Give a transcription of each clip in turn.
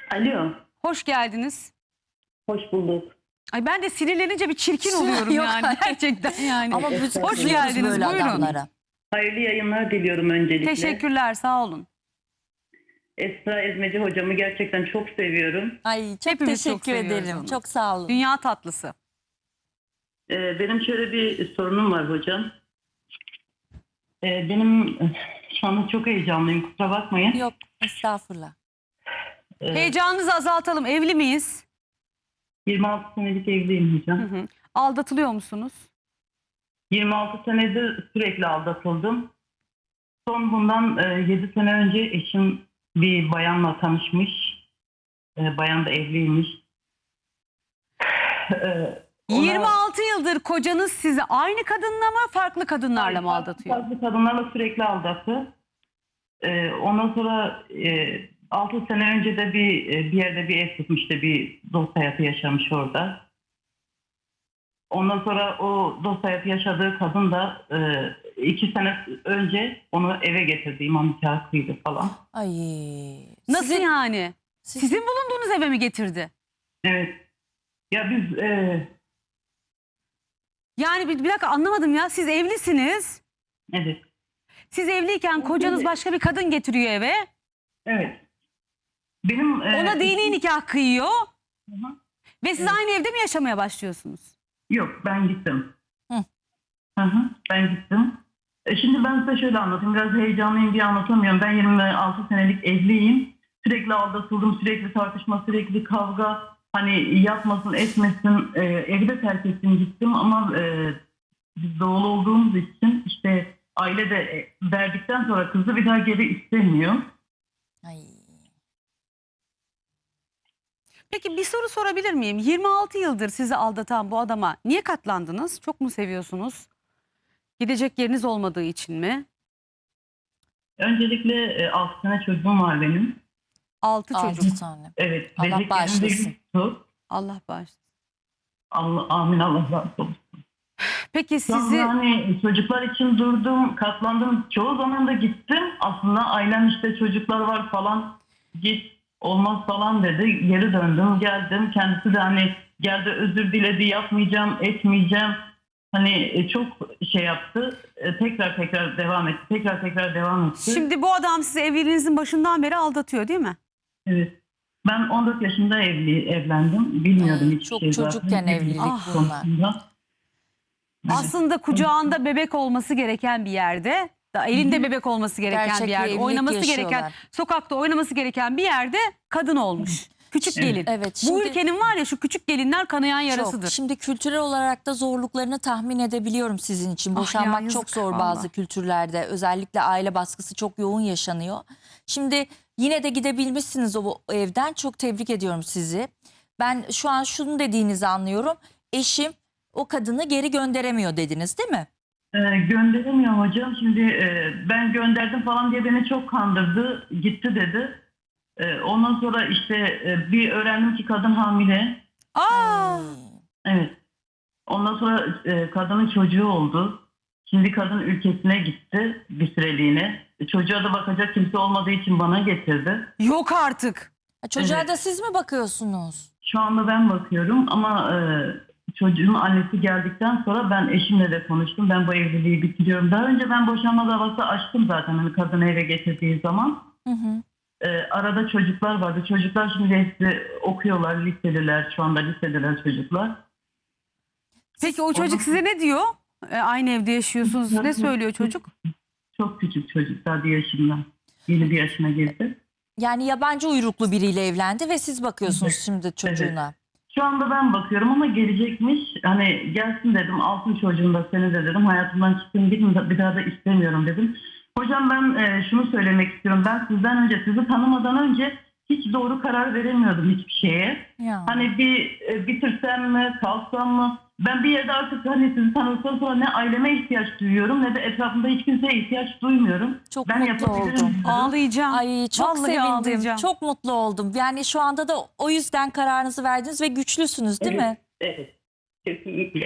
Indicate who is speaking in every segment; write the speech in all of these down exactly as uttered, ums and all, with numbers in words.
Speaker 1: Alo,
Speaker 2: Hoş geldiniz.
Speaker 1: hoş bulduk.
Speaker 2: Ay ben de sinirlenince bir çirkin oluyorum
Speaker 3: Yok,
Speaker 2: yani
Speaker 3: hayır.
Speaker 2: gerçekten yani.
Speaker 3: Ama biz
Speaker 2: Hoş
Speaker 3: kızıyoruz
Speaker 2: geldiniz,
Speaker 3: böyle
Speaker 2: buyurun.
Speaker 3: adamlara.
Speaker 1: Hayırlı yayınlar diliyorum öncelikle.
Speaker 2: Teşekkürler, sağ olun.
Speaker 1: Esra Ezmeci hocamı gerçekten çok seviyorum.
Speaker 3: Ay çok
Speaker 2: Hepimiz çok
Speaker 3: teşekkür
Speaker 2: seviyoruz
Speaker 3: ederim.
Speaker 2: onu.
Speaker 3: Çok sağ olun.
Speaker 2: Dünya tatlısı.
Speaker 1: Ee, benim şöyle bir sorunum var hocam. Ee, benim şu anda çok heyecanlıyım, kusura bakmayın.
Speaker 3: Yok estağfurullah.
Speaker 1: Ee,
Speaker 2: Heyecanınızı azaltalım. Evli miyiz?
Speaker 1: yirmi altı senelik evliyim hocam.
Speaker 2: Hı hı. Aldatılıyor musunuz?
Speaker 1: yirmi altı senedir sürekli aldatıldım. Son bundan e, yedi sene önce eşim bir bayanla tanışmış. E, bayan da evliymiş. E, ona-
Speaker 2: yirmi altı yıldır kocanız sizi aynı kadınla mı farklı kadınlarla mı aldatıyor?
Speaker 1: Farklı kadınlarla sürekli aldattı. Ee, ondan sonra e, altı sene önce de bir e, bir yerde bir ev tutmuştu. Bir dost hayatı yaşamış orada. Ondan sonra o dost hayatı yaşadığı kadın da e, iki sene önce onu eve getirdi. İmam nikahı kıydı falan.
Speaker 3: Ay.
Speaker 2: Nasıl
Speaker 3: Sizin-
Speaker 2: yani?
Speaker 3: Siz-
Speaker 2: Sizin bulunduğunuz eve mi getirdi?
Speaker 1: Evet. Ya biz e,
Speaker 2: Yani bir, bir dakika anlamadım ya. Siz evlisiniz.
Speaker 1: evet.
Speaker 2: Siz evliyken kocanız başka bir kadın getiriyor eve.
Speaker 1: Evet. Benim e,
Speaker 2: Ona dini nikah kıyıyor.
Speaker 1: Hı hı.
Speaker 2: Ve siz
Speaker 1: Evet.
Speaker 2: aynı evde mi yaşamaya başlıyorsunuz?
Speaker 1: Yok, ben gittim.
Speaker 3: Hı.
Speaker 1: Hı hı, ben gittim. E şimdi ben size şöyle anlatayım. Biraz heyecanlıyım diye anlatamıyorum. Ben yirmi altı senelik evliyim. Sürekli aldatıldım, sürekli tartışma, sürekli kavga. Hani yapmasın, etmesin. E, evi de terk ettim, gittim ama e, biz doğulu olduğumuz için işte aile de e, verdikten sonra kızı bir daha geri istemiyor.
Speaker 3: Ay.
Speaker 2: Peki bir soru sorabilir miyim? yirmi altı yıldır sizi aldatan bu adama niye katlandınız? Çok mu seviyorsunuz? Gidecek yeriniz olmadığı için mi?
Speaker 1: Öncelikle e, altı sene çocuğum var benim.
Speaker 2: Altı çocuk.
Speaker 3: Altı tane.
Speaker 1: Evet.
Speaker 3: Allah
Speaker 1: bebek
Speaker 3: bağışlasın.
Speaker 1: elimde yoktu.
Speaker 2: Allah bağışlasın.
Speaker 1: Allah, amin, Allah razı olsun.
Speaker 2: Peki
Speaker 1: Sizi...
Speaker 2: sizi
Speaker 1: Hani çocuklar için durdum, katlandım. Çoğu zaman da gittim. Aslında ailem işte çocuklar var falan. Git olmaz falan dedi. Geri döndüm, geldim. Kendisi de hani geldi, özür diledi, yapmayacağım, etmeyeceğim. Hani e, çok şey yaptı. E, Tekrar tekrar devam etti. Tekrar tekrar devam etti.
Speaker 2: şimdi bu adam sizi evliliğinizin başından beri aldatıyor değil mi?
Speaker 1: Evet. Ben on dört yaşında evli evlendim. Bilmiyordum
Speaker 3: Ay,
Speaker 1: hiçbir
Speaker 3: çok
Speaker 1: şey
Speaker 3: çocukken
Speaker 1: zaten.
Speaker 3: evlilik
Speaker 2: Ah.
Speaker 3: bunlar.
Speaker 1: Konusunda. Evet.
Speaker 2: Aslında kucağında bebek olması gereken bir yerde, da elinde bebek olması gereken
Speaker 3: Gerçek
Speaker 2: bir
Speaker 3: bir
Speaker 2: yerde,
Speaker 3: evlilik
Speaker 2: oynaması gereken,
Speaker 3: yaşıyorlar.
Speaker 2: sokakta oynaması gereken bir yerde kadın olmuş. Küçük
Speaker 1: Evet.
Speaker 2: gelin.
Speaker 3: Evet,
Speaker 2: Bu
Speaker 3: şimdi-
Speaker 2: ülkenin var ya şu küçük gelinler kanayan yarasıdır.
Speaker 3: Çok. Şimdi kültürel olarak da zorluklarını tahmin edebiliyorum sizin için.
Speaker 2: Ah ya,
Speaker 3: Boşanmak
Speaker 2: yazık
Speaker 3: çok zor
Speaker 2: vallahi.
Speaker 3: bazı kültürlerde. Özellikle aile baskısı çok yoğun yaşanıyor. Şimdi yine de gidebilmişsiniz o evden. Çok tebrik ediyorum sizi. Ben şu an şunu dediğinizi anlıyorum. Eşim o kadını geri gönderemiyor dediniz değil mi?
Speaker 1: Ee, gönderemiyor hocam. Şimdi e, ben gönderdim falan diye beni çok kandırdı. Gitti dedi. E, ondan sonra işte e, bir öğrendim ki kadın hamile.
Speaker 2: Aa,
Speaker 3: Ay.
Speaker 1: Evet. Ondan sonra e, kadının çocuğu oldu. Şimdi kadın ülkesine gitti bir süreliğine. E, çocuğa da bakacak kimse olmadığı için bana getirdi.
Speaker 2: yok artık.
Speaker 3: Ha, Çocuğa
Speaker 1: Evet.
Speaker 3: da siz mi bakıyorsunuz?
Speaker 1: Şu anda ben bakıyorum ama e, çocuğun annesi geldikten sonra ben eşimle de konuştum. Ben bu evliliği bitiriyorum. Daha önce ben boşanma davası açtım zaten hani kadını eve getirdiği zaman.
Speaker 3: Hı hı.
Speaker 1: E, arada çocuklar vardı. Çocuklar şimdi hepsi okuyorlar, liseliler. Şu anda lisedeler çocuklar.
Speaker 2: Peki o çocuk size ne diyor? E, aynı evde yaşıyorsunuz. Ne söylüyor çocuk?
Speaker 1: Çok küçük çocuk, daha bir yaşında. Yeni bir yaşına girdi.
Speaker 3: Yani yabancı uyruklu biriyle evlendi ve siz bakıyorsunuz
Speaker 1: Evet.
Speaker 3: şimdi çocuğuna.
Speaker 1: Şu anda ben bakıyorum ama gelecekmiş. Hani gelsin dedim, altın çocuğum da seni de dedim. Hayatımdan çıktım, gidin bir daha da istemiyorum dedim. Hocam ben e, şunu söylemek istiyorum. Ben sizden önce, sizi tanımadan önce hiç doğru karar veremiyordum hiçbir şeye.
Speaker 3: Ya.
Speaker 1: Hani bir e, bitirsem mi, kalsam mı? Ben bir yerde artık hani sizi tanıdıktan sonra ne aileme ihtiyaç duyuyorum ne de etrafımda hiç kimseye ihtiyaç duymuyorum.
Speaker 3: Çok
Speaker 1: ben
Speaker 3: mutlu
Speaker 1: yapabilirim
Speaker 3: oldum.
Speaker 1: diyorum.
Speaker 2: Ağlayacağım.
Speaker 3: Ay çok
Speaker 2: Vallahi
Speaker 3: sevindim.
Speaker 2: ağlayacağım.
Speaker 3: Çok mutlu oldum. Yani şu anda da o yüzden kararınızı verdiniz ve güçlüsünüz değil mi?
Speaker 1: Evet. Kesinlikle.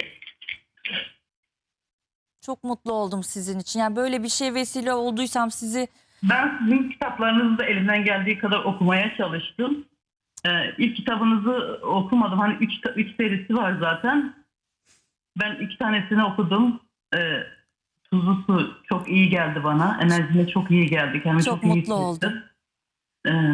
Speaker 3: Çok mutlu oldum sizin için. Yani böyle bir şey vesile olduysam sizi
Speaker 1: Ben sizin kitaplarınızı da elimden geldiği kadar okumaya çalıştım. Ee, ilk kitabınızı okumadım. Hani üç, üç serisi var zaten. Ben iki tanesini okudum. Ee, Tuzlu Su çok iyi geldi bana. Enerjime çok iyi geldi. Kendimi
Speaker 3: Çok
Speaker 1: çok, iyi
Speaker 3: mutlu oldum.
Speaker 1: hissettim. Ee,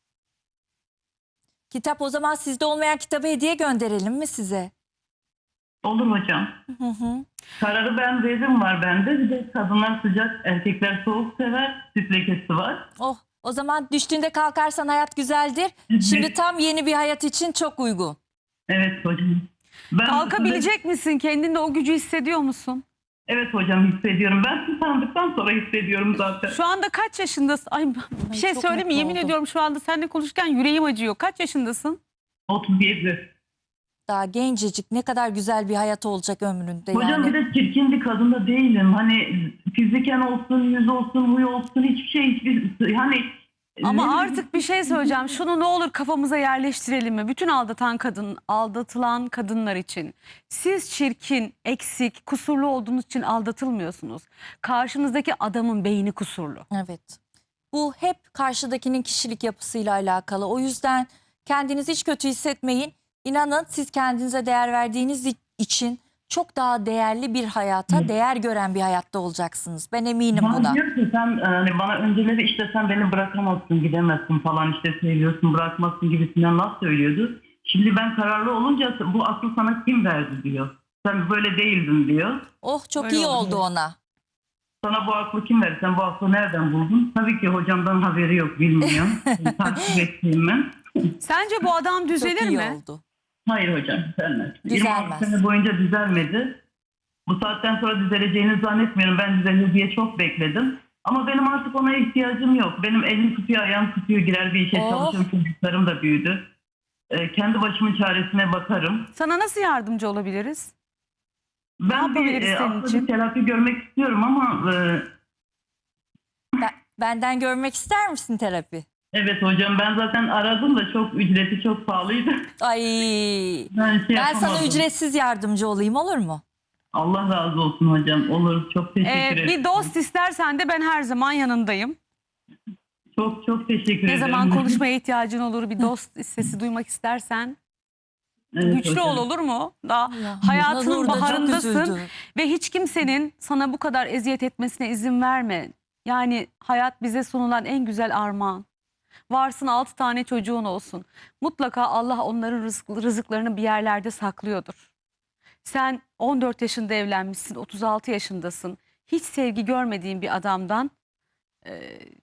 Speaker 3: Kitap o zaman sizde olmayan kitabı hediye gönderelim mi size?
Speaker 1: olur hocam.
Speaker 3: Hı hı.
Speaker 1: Kararı ben veririm var bende. Bir de kadınlar sıcak, erkekler soğuk sever. Süt lekesi var.
Speaker 3: Oh, o zaman düştüğünde kalkarsan hayat güzeldir. Şimdi tam yeni bir hayat için çok uygun.
Speaker 1: Evet hocam. Ben
Speaker 2: Kalkabilecek misin? Kendinde o gücü hissediyor musun?
Speaker 1: Evet hocam, hissediyorum. Ben sizi tanıdıktan sonra hissediyorum zaten.
Speaker 2: Şu anda kaç yaşındasın? Ay bir şey
Speaker 3: çok
Speaker 2: söyleyeyim mi?
Speaker 3: mutlu
Speaker 2: Yemin
Speaker 3: oldum.
Speaker 2: ediyorum şu anda seninle konuşurken yüreğim acıyor. Kaç yaşındasın?
Speaker 1: otuz yedi.
Speaker 3: Daha gencecik, ne kadar güzel bir hayat olacak ömründe
Speaker 1: Hocam
Speaker 3: yani.
Speaker 1: bir de çirkin bir kadın da değilim. Hani fiziken olsun, yüz olsun, huy olsun, hiçbir şey hiçbir hani.
Speaker 2: Ama
Speaker 1: ne-
Speaker 2: artık bir şey söyleyeceğim. Şunu ne olur kafamıza yerleştirelim mi? Bütün aldatan kadın, aldatılan kadınlar için. Siz çirkin, eksik, kusurlu olduğunuz için aldatılmıyorsunuz. Karşınızdaki adamın beyni kusurlu.
Speaker 3: Evet. Bu hep karşıdakinin kişilik yapısıyla alakalı. O yüzden kendinizi hiç kötü hissetmeyin. İnanın siz kendinize değer verdiğiniz için çok daha değerli bir hayata,
Speaker 1: Evet.
Speaker 3: değer gören bir hayatta olacaksınız. Ben eminim
Speaker 1: Bana
Speaker 3: buna.
Speaker 1: diyor ki sen hani bana önceleri işte sen beni bırakamazsın, gidemezsin falan, işte seviyorsun, bırakmazsın gibisinden laf söylüyordu. Şimdi ben kararlı olunca bu aklı sana kim verdi diyor. Sen böyle değildin diyor.
Speaker 3: Oh, çok
Speaker 2: Öyle
Speaker 3: iyi
Speaker 2: oldu.
Speaker 3: oldu ona.
Speaker 1: Sana bu aklı kim verdi? Sen bu aklı nereden buldun? Tabii ki hocamdan haberi yok, bilmiyorum. Takip ettiğim ben.
Speaker 2: Sence bu adam
Speaker 3: Çok
Speaker 2: düzelir
Speaker 3: iyi
Speaker 2: mi?
Speaker 3: oldu.
Speaker 1: Hayır hocam, düzelmez.
Speaker 3: Düzelmez.
Speaker 1: yirmi altı sene boyunca düzelmedi. Bu saatten sonra düzeleceğini zannetmiyorum. Ben düzelir diye çok bekledim. Ama benim artık ona ihtiyacım yok. Benim elim tutuyor, ayağım tutuyor, girer bir işe
Speaker 3: Oh.
Speaker 1: çalışıyorum. Çocuklarım da büyüdü. Ee, kendi başımın çaresine bakarım.
Speaker 2: Sana nasıl yardımcı olabiliriz?
Speaker 1: Ben bir,
Speaker 2: yapabiliriz
Speaker 1: e,
Speaker 2: senin
Speaker 1: aslında
Speaker 2: için?
Speaker 1: bir terapi görmek istiyorum ama e,
Speaker 3: Ben- benden görmek ister misin terapi?
Speaker 1: evet hocam, ben zaten aradım da çok ücreti çok pahalıydı.
Speaker 3: Ay,
Speaker 1: Ben, şey
Speaker 3: ben sana
Speaker 1: yapamadım.
Speaker 3: ücretsiz yardımcı olayım, olur mu?
Speaker 1: Allah razı olsun hocam. Olur. Çok teşekkür
Speaker 2: Ee,
Speaker 1: ederim.
Speaker 2: bir dost istersen de ben her zaman yanındayım.
Speaker 1: Çok çok teşekkür
Speaker 2: Ne
Speaker 1: ederim.
Speaker 2: zaman konuşmaya ihtiyacın olur, bir dost sesi duymak istersen
Speaker 1: Evet
Speaker 2: güçlü
Speaker 1: hocam.
Speaker 2: ol, olur mu? Daha
Speaker 3: Ya,
Speaker 2: hayatının
Speaker 3: Nur da çok
Speaker 2: baharındasın
Speaker 3: üzüldü.
Speaker 2: ve hiç kimsenin sana bu kadar eziyet etmesine izin verme. Yani hayat bize sunulan en güzel armağan. Varsın altı tane çocuğun olsun. Mutlaka Allah onların rızık, rızıklarını bir yerlerde saklıyordur. Sen on dört yaşında evlenmişsin, otuz altı yaşındasın. Hiç sevgi görmediğin bir adamdan e,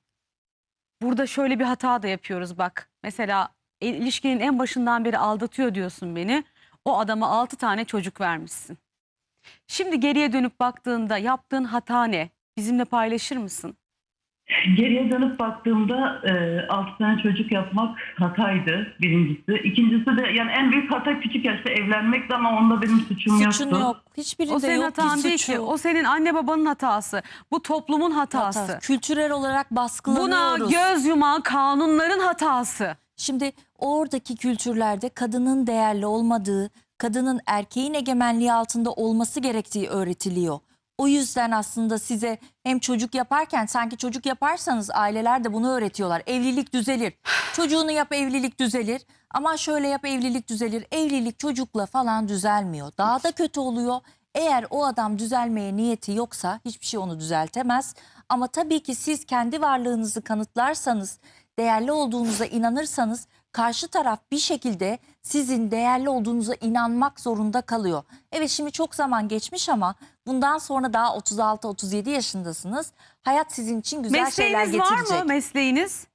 Speaker 2: burada şöyle bir hata da yapıyoruz bak. Mesela il- ilişkinin en başından beri aldatıyor diyorsun beni. O adama altı tane çocuk vermişsin. Şimdi geriye dönüp baktığında yaptığın hata ne? Bizimle paylaşır mısın?
Speaker 1: Geriye dönüp baktığımda e, altı tane çocuk yapmak hataydı birincisi. İkincisi de yani en büyük hata küçük yaşta evlenmekti ama onda benim suçum
Speaker 3: Suçun
Speaker 1: yoktu.
Speaker 3: yok. Hiçbirinde
Speaker 2: O senin
Speaker 3: yok ki
Speaker 2: hatan değil
Speaker 3: suçu.
Speaker 2: ki. O senin anne babanın hatası. Bu toplumun hatası.
Speaker 3: Hatası. Kültürel olarak
Speaker 2: Buna
Speaker 3: baskılanıyoruz.
Speaker 2: göz yuman kanunların hatası.
Speaker 3: Şimdi oradaki kültürlerde kadının değerli olmadığı, kadının erkeğin egemenliği altında olması gerektiği öğretiliyor. O yüzden aslında size hem çocuk yaparken, sanki çocuk yaparsanız aileler de bunu öğretiyorlar. Evlilik düzelir. Çocuğunu yap, evlilik düzelir. Ama şöyle yap, evlilik düzelir. Evlilik çocukla falan düzelmiyor. Daha da kötü oluyor. Eğer o adam düzelmeye niyeti yoksa hiçbir şey onu düzeltemez. Ama tabii ki siz kendi varlığınızı kanıtlarsanız, değerli olduğunuza inanırsanız karşı taraf bir şekilde sizin değerli olduğunuza inanmak zorunda kalıyor. Evet, şimdi çok zaman geçmiş ama bundan sonra daha otuz altı otuz yedi yaşındasınız. Hayat sizin için güzel şeyler
Speaker 2: Mesleğiniz var
Speaker 3: getirecek.
Speaker 2: mı? Mesleğiniz?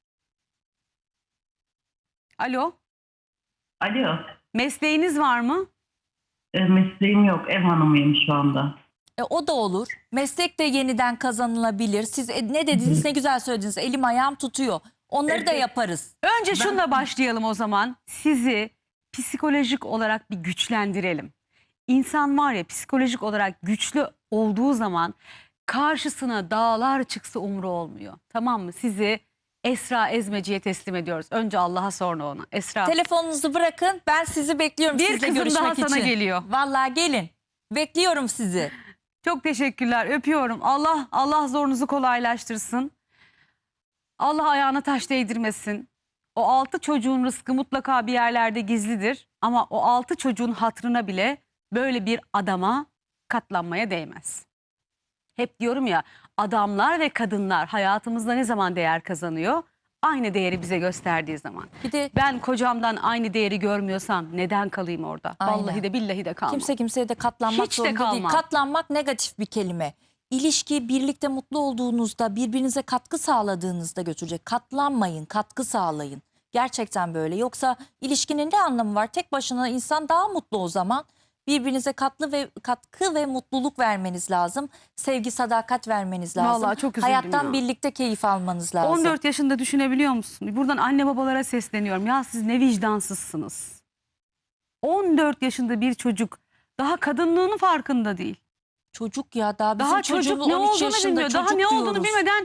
Speaker 2: Alo.
Speaker 1: Alo.
Speaker 2: Mesleğiniz var mı?
Speaker 1: E, mesleğim yok. Ev hanımıyım şu anda.
Speaker 3: E, o da olur. Meslek de yeniden kazanılabilir. Siz e, ne dediniz, ne güzel söylediniz. Elim ayağım tutuyor. Onları da
Speaker 1: Evet.
Speaker 3: yaparız.
Speaker 2: Önce şunla başlayalım o zaman. Sizi psikolojik olarak bir güçlendirelim. İnsan var ya, psikolojik olarak güçlü olduğu zaman karşısına dağlar çıksa umru olmuyor. Tamam mı? Sizi Esra Ezmeci'ye teslim ediyoruz. Önce Allah'a, sonra ona. Esra.
Speaker 3: Telefonunuzu bırakın. Ben sizi bekliyorum
Speaker 2: Bir
Speaker 3: sizle
Speaker 2: kızım
Speaker 3: görüşmek
Speaker 2: daha
Speaker 3: için.
Speaker 2: sana geliyor.
Speaker 3: Vallahi gelin. Bekliyorum sizi.
Speaker 2: Çok teşekkürler. Öpüyorum. Allah Allah zorunuzu kolaylaştırsın. Allah ayağına taş değdirmesin. O altı çocuğun rızkı mutlaka bir yerlerde gizlidir. Ama o altı çocuğun hatırına bile böyle bir adama katlanmaya değmez. Hep diyorum ya, adamlar ve kadınlar hayatımızda ne zaman değer kazanıyor? Aynı değeri bize gösterdiği zaman.
Speaker 3: Bir de
Speaker 2: Ben kocamdan aynı değeri görmüyorsam neden kalayım orada?
Speaker 3: Aynen.
Speaker 2: Vallahi de billahi de kalmam.
Speaker 3: kimse kimseye de katlanmak
Speaker 2: Hiç de
Speaker 3: zorunda değil.
Speaker 2: kalmam.
Speaker 3: Katlanmak negatif bir kelime. İlişki birlikte mutlu olduğunuzda, birbirinize katkı sağladığınızda götürecek. Katlanmayın, katkı sağlayın. Gerçekten böyle. Yoksa ilişkinin ne anlamı var? Tek başına insan daha mutlu o zaman. Birbirinize katlı ve katkı ve mutluluk vermeniz lazım. Sevgi, sadakat vermeniz lazım.
Speaker 2: Vallahi çok üzüldüm
Speaker 3: Hayattan
Speaker 2: ya.
Speaker 3: birlikte keyif almanız lazım.
Speaker 2: on dört yaşında düşünebiliyor musun? Buradan anne babalara sesleniyorum. Ya siz ne vicdansızsınız. on dört yaşında bir çocuk daha kadınlığının farkında değil.
Speaker 3: Çocuk ya daha bizim
Speaker 2: Daha çocuk
Speaker 3: çocuğumuz
Speaker 2: ne
Speaker 3: on üç
Speaker 2: olduğunu
Speaker 3: yaşında
Speaker 2: bilmiyor. Daha
Speaker 3: çocuk
Speaker 2: ne olduğunu
Speaker 3: diyoruz.
Speaker 2: bilmeden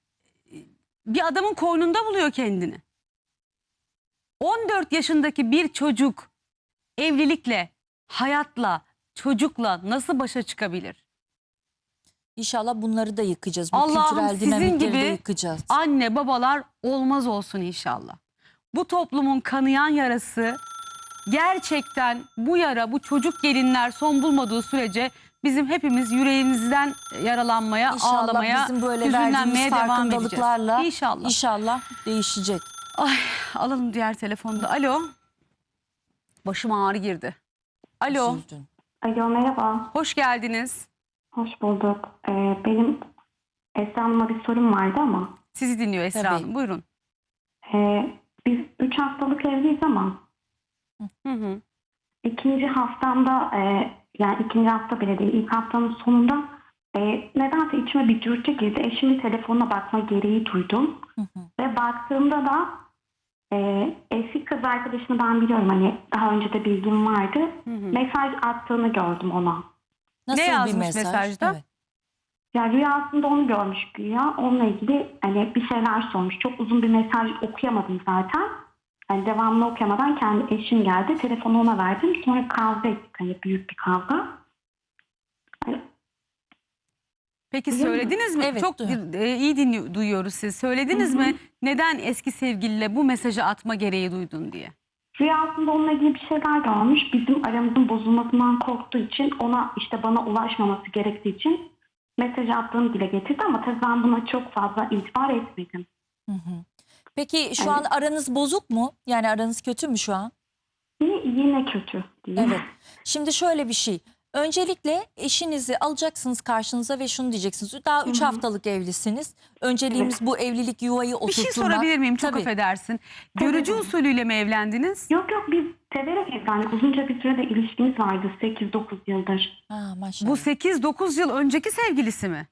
Speaker 2: bir adamın koynunda buluyor kendini. on dört yaşındaki bir çocuk evlilikle, hayatla, çocukla nasıl başa çıkabilir?
Speaker 3: İnşallah bunları da yıkacağız. Bu
Speaker 2: Allah'ım
Speaker 3: kültürel
Speaker 2: sizin
Speaker 3: dinamikleri de
Speaker 2: gibi
Speaker 3: yıkacağız.
Speaker 2: anne babalar olmaz olsun inşallah. Bu toplumun kanayan yarası gerçekten, bu yara, bu çocuk gelinler son bulmadığı sürece bizim hepimiz yüreğimizden yaralanmaya,
Speaker 3: İnşallah
Speaker 2: ağlamaya,
Speaker 3: bizim böyle
Speaker 2: hüzünlenmeye
Speaker 3: verdiğimiz
Speaker 2: devam
Speaker 3: farkındalıklarla
Speaker 2: edeceğiz. İnşallah.
Speaker 3: inşallah değişecek.
Speaker 2: Ay, alalım diğer telefonda. Alo. Başım ağrı girdi. Alo.
Speaker 3: Üzüldün.
Speaker 4: Alo, merhaba.
Speaker 2: Hoş geldiniz.
Speaker 4: Hoş bulduk. Ee, benim Esra Hanım'a bir sorum vardı ama
Speaker 2: Sizi dinliyor Esra
Speaker 3: Tabii.
Speaker 2: Hanım. Buyurun.
Speaker 4: e, biz üç haftalık evliyiz ama
Speaker 2: Hı hı.
Speaker 4: ikinci haftamda e, yani ikinci hafta bile değil ilk haftanın sonunda e, nedense içime bir dürtü girdi. Eşimin telefonuna bakma gereği duydum.
Speaker 3: Hı hı.
Speaker 4: Ve baktığımda da e, eski kız arkadaşını ben biliyorum, hani daha önce de bilgim vardı.
Speaker 2: Hı hı.
Speaker 4: Mesaj attığını gördüm ona.
Speaker 3: Nasıl
Speaker 2: Ne
Speaker 3: bir
Speaker 2: yazmış
Speaker 3: mesaj?
Speaker 2: mesajda?
Speaker 3: Evet.
Speaker 4: Ya rüyasında onu görmüş güya. Onunla ilgili hani bir şeyler sormuş. Çok uzun bir mesaj okuyamadım zaten. Hani devamlı okuyamadan kendi eşim geldi. Telefonu ona verdim. Sonra kavga ettik. Hani büyük bir kavga. Hani
Speaker 2: Peki
Speaker 4: Duyuyor
Speaker 2: söylediniz mi?
Speaker 3: Evet,
Speaker 2: Çok
Speaker 3: duyuyorum.
Speaker 2: e, iyi dinliyor, duyuyoruz siz. Söylediniz
Speaker 4: Hı hı.
Speaker 2: mi neden eski sevgiliyle bu mesajı atma gereği duydun diye?
Speaker 4: rüyasında onunla ilgili bir şeyler görmüş. Bizim aramızın bozulmasından korktuğu için ona işte bana ulaşmaması gerektiği için mesaj attığını dile getirdi. Ama tabii ben buna çok fazla itibar etmedim.
Speaker 3: Hı hı. Peki şu
Speaker 4: Evet.
Speaker 3: an aranız bozuk mu? Yani aranız kötü mü şu an?
Speaker 4: Yine, yine kötü diyeyim.
Speaker 3: Evet. Şimdi şöyle bir şey. Öncelikle eşinizi alacaksınız karşınıza ve şunu diyeceksiniz. Daha üç
Speaker 4: Hı hı.
Speaker 3: haftalık evlisiniz. Önceliğimiz bu evlilik yuvayı
Speaker 2: Bir
Speaker 3: oturtturmak.
Speaker 2: şey sorabilir miyim? Çok
Speaker 3: Tabii.
Speaker 2: affedersin. Görücü
Speaker 4: Tabii.
Speaker 2: usulüyle mi evlendiniz?
Speaker 4: Yok yok, biz severek evlendik. Uzunca bir sürede ilişkimiz vardı. sekiz dokuz yıldır.
Speaker 3: Ha, maşallah.
Speaker 2: Bu sekiz dokuz yıl önceki sevgilisi mi?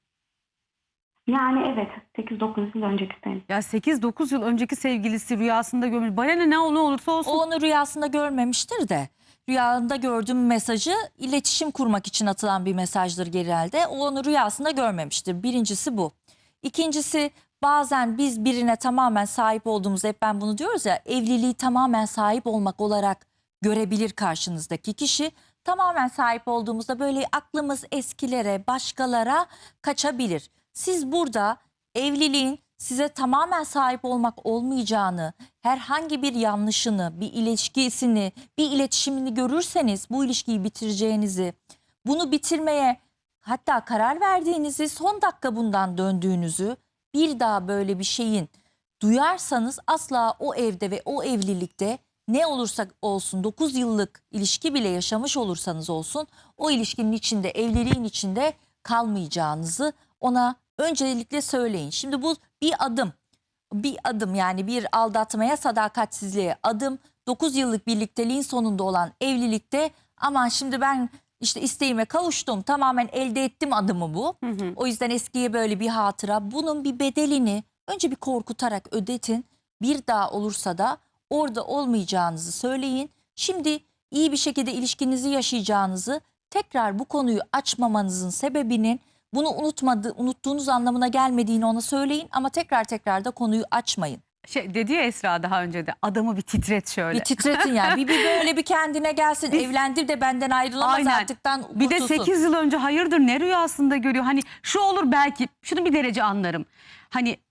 Speaker 4: Yani evet, sekiz dokuz yıl önceki sene.
Speaker 2: Ya sekiz dokuz yıl önceki sevgilisi rüyasında görmüş. Bana ne, ne olursa olsun.
Speaker 3: O onu rüyasında görmemiştir de. Rüyanda gördüğüm mesajı iletişim kurmak için atılan bir mesajdır genelde. O onu rüyasında görmemiştir. Birincisi bu. İkincisi, bazen biz birine tamamen sahip olduğumuzda, hep ben bunu diyoruz ya, evliliği tamamen sahip olmak olarak görebilir karşınızdaki kişi. Tamamen sahip olduğumuzda böyle aklımız eskilere, başkalara kaçabilir. Siz burada evliliğin size tamamen sahip olmak olmayacağını, herhangi bir yanlışını, bir ilişkisini, bir iletişimini görürseniz bu ilişkiyi bitireceğinizi, bunu bitirmeye hatta karar verdiğinizi, son dakika bundan döndüğünüzü, bir daha böyle bir şeyin duyarsanız asla o evde ve o evlilikte ne olursa olsun, dokuz yıllık ilişki bile yaşamış olursanız olsun, o ilişkinin içinde, evliliğin içinde kalmayacağınızı ona öncelikle söyleyin. Şimdi bu bir adım, bir adım yani bir aldatmaya, sadakatsizliğe adım. dokuz yıllık birlikteliğin sonunda olan evlilikte aman şimdi ben işte isteğime kavuştum, tamamen elde ettim adımı bu.
Speaker 2: Hı hı.
Speaker 3: O yüzden eskiye böyle bir hatıra. Bunun bir bedelini önce bir korkutarak ödetin. Bir daha olursa da orada olmayacağınızı söyleyin. Şimdi iyi bir şekilde ilişkinizi yaşayacağınızı, tekrar bu konuyu açmamanızın sebebinin bunu unutmadı, unuttuğunuz anlamına gelmediğini ona söyleyin ama tekrar tekrar da konuyu açmayın.
Speaker 2: Şey dedi ya Esra daha önce de, adamı bir titret şöyle.
Speaker 3: Bir titretin yani. Bir, bir böyle bir kendine gelsin.
Speaker 2: Biz-
Speaker 3: Evlendir de benden ayrılamaz
Speaker 2: Aynen.
Speaker 3: artıktan
Speaker 2: Bir de
Speaker 3: kurtulsun.
Speaker 2: sekiz yıl önce hayırdır ne rüyasında görüyor. Hani şu olur belki, şunu bir derece anlarım. Hani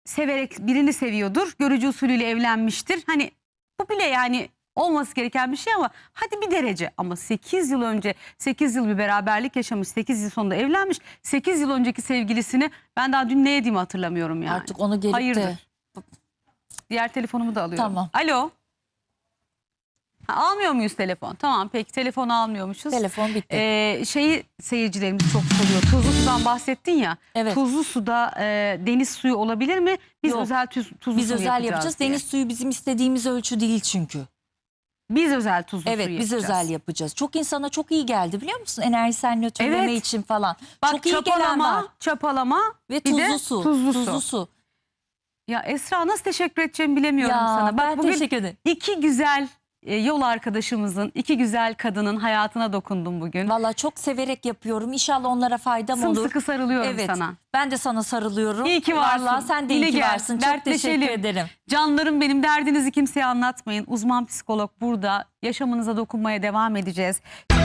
Speaker 2: severek birini seviyordur. Görücü usulüyle evlenmiştir. Hani bu bile yani olması gereken bir şey ama hadi bir derece. Ama sekiz yıl önce sekiz yıl bir beraberlik yaşamış, sekiz yıl sonunda evlenmiş. sekiz yıl önceki sevgilisini ben daha dün ne yediğimi hatırlamıyorum yani.
Speaker 3: Artık onu gelip
Speaker 2: Hayırdır.
Speaker 3: de...
Speaker 2: Diğer telefonumu da alıyorum.
Speaker 3: Tamam.
Speaker 2: Alo. Ha, almıyor muyuz telefon? Tamam peki, telefonu almıyormuşuz.
Speaker 3: Telefon bitti.
Speaker 2: Ee, şeyi seyircilerimiz çok soruyor. Tuzlu sudan bahsettin ya.
Speaker 3: Evet.
Speaker 2: Tuzlu suda e, deniz suyu olabilir mi? Biz
Speaker 3: Yok.
Speaker 2: özel tuz, tuzlu
Speaker 3: Biz
Speaker 2: su
Speaker 3: özel
Speaker 2: yapacağız.
Speaker 3: yapacağız.
Speaker 2: diye.
Speaker 3: Deniz suyu bizim istediğimiz ölçü değil çünkü.
Speaker 2: Biz özel tuzlu
Speaker 3: Evet,
Speaker 2: suyu
Speaker 3: biz
Speaker 2: yapacağız.
Speaker 3: özel yapacağız. Çok insana çok iyi geldi biliyor musun? Enerjisel nötrleme
Speaker 2: Evet.
Speaker 3: için falan.
Speaker 2: Bak
Speaker 3: çok iyi gelen var.
Speaker 2: çapalama, çapalama
Speaker 3: Ve
Speaker 2: bir
Speaker 3: tuzlu
Speaker 2: de
Speaker 3: su.
Speaker 2: tuzlu,
Speaker 3: Tuzlu
Speaker 2: su.
Speaker 3: su.
Speaker 2: Ya Esra, nasıl teşekkür edeceğimi bilemiyorum
Speaker 3: Ya
Speaker 2: sana. Bak
Speaker 3: ben
Speaker 2: bugün
Speaker 3: teşekkür ederim.
Speaker 2: iki güzel e, yol arkadaşımızın, iki güzel kadının hayatına dokundum bugün.
Speaker 3: Valla çok severek yapıyorum. İnşallah onlara faydam olur.
Speaker 2: Sımsıkı sarılıyorum
Speaker 3: Evet.
Speaker 2: sana.
Speaker 3: Ben de sana sarılıyorum.
Speaker 2: İyi ki varsın.
Speaker 3: Vallahi sen de
Speaker 2: Yine
Speaker 3: iyi ki
Speaker 2: gel,
Speaker 3: varsın. Çok
Speaker 2: dertleşelim.
Speaker 3: teşekkür ederim.
Speaker 2: Canlarım benim, derdinizi kimseye anlatmayın. Uzman psikolog burada. Yaşamınıza dokunmaya devam edeceğiz.